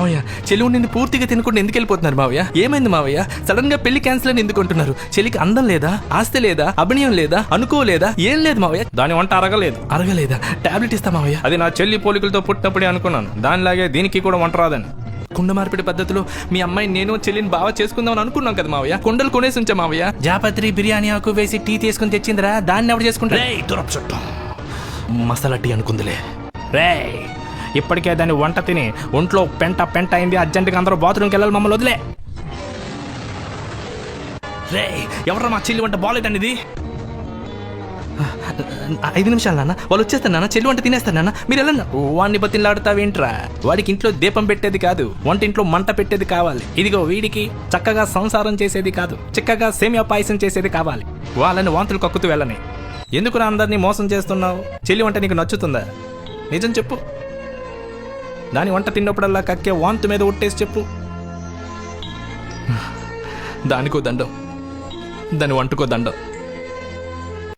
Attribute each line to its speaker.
Speaker 1: మావయ్య చెల్లి నిన్ను పూర్తిగా తినకుండా ఎందుకు వెళ్ళిపోతున్నారు మావయ్య? ఏమైంది మావయ్య? సడన్ గా పెళ్లి క్యాన్సిల్ అని ఎందుకు అంటున్నారు? చెల్లికి అందం లేదా, ఆస్తి లేదా, అభినయం లేదా, అనుకోలేదా? ఏం లేదు మావయ్య.
Speaker 2: దాని వంట
Speaker 1: అరగలేదా? టాబ్లెట్ ఇస్తా మావయ్య.
Speaker 2: అది నా చెల్లి పోలికలతో పుట్టినప్పుడే అనుకున్నాను, దానిలాగే దీనికి కూడా వంట రాదని.
Speaker 1: కుండ మార్పిడి పద్ధతిలో మీ అమ్మాయి నేను చెల్లిని బాగా చేసుకుందామని అనుకున్నాం కదా మావయ్య. కుండలు కొనేసి ఉంచా మావయ్య. జాపత్రి బిర్యానీ ఆకు వేసి టీ తీసుకుని తెచ్చిందిరా, దాన్ని ఎవరు చేసుకుంటా? మసాలా టీ అనుకుందిలే.
Speaker 2: ఇప్పటికే దాన్ని వంట తిని ఒంట్లో పెంట అయింది. అర్జెంటుగా అందరూ బాత్రూమ్కి వెళ్ళాలి, మమ్మల్ని వదిలే.
Speaker 1: ఎవరా మా చెల్లి వంట బాగాలేదండి ఇది? 5 నిమిషాలు నాన్న, వాళ్ళు వచ్చేస్తారు నాన్న, చెల్లి వంట తినేస్తారు నాన్న, మీరు వెళ్ళండి.
Speaker 2: వాడిని బతిలాడుతావేంట్రా? వాడికి ఇంట్లో దీపం పెట్టేది కాదు, వంటింట్లో మంట పెట్టేది కావాలి. ఇదిగో వీడికి చక్కగా సంసారం చేసేది కాదు, చిక్కగా సేమియా పాయసం చేసేది కావాలి. వాళ్ళని వాంతులు కక్కుతూ వెళ్ళని. ఎందుకురా అందరినీ మోసం చేస్తున్నావు? చెల్లి వంట నీకు నచ్చుతుందా? నిజం చెప్పు. దాని వంట తిన్నప్పుడల్లా కక్కే వాంతు మీద ఒట్టేసి చెప్పు.
Speaker 1: దానికో దండం, దాని వంటకో దండం.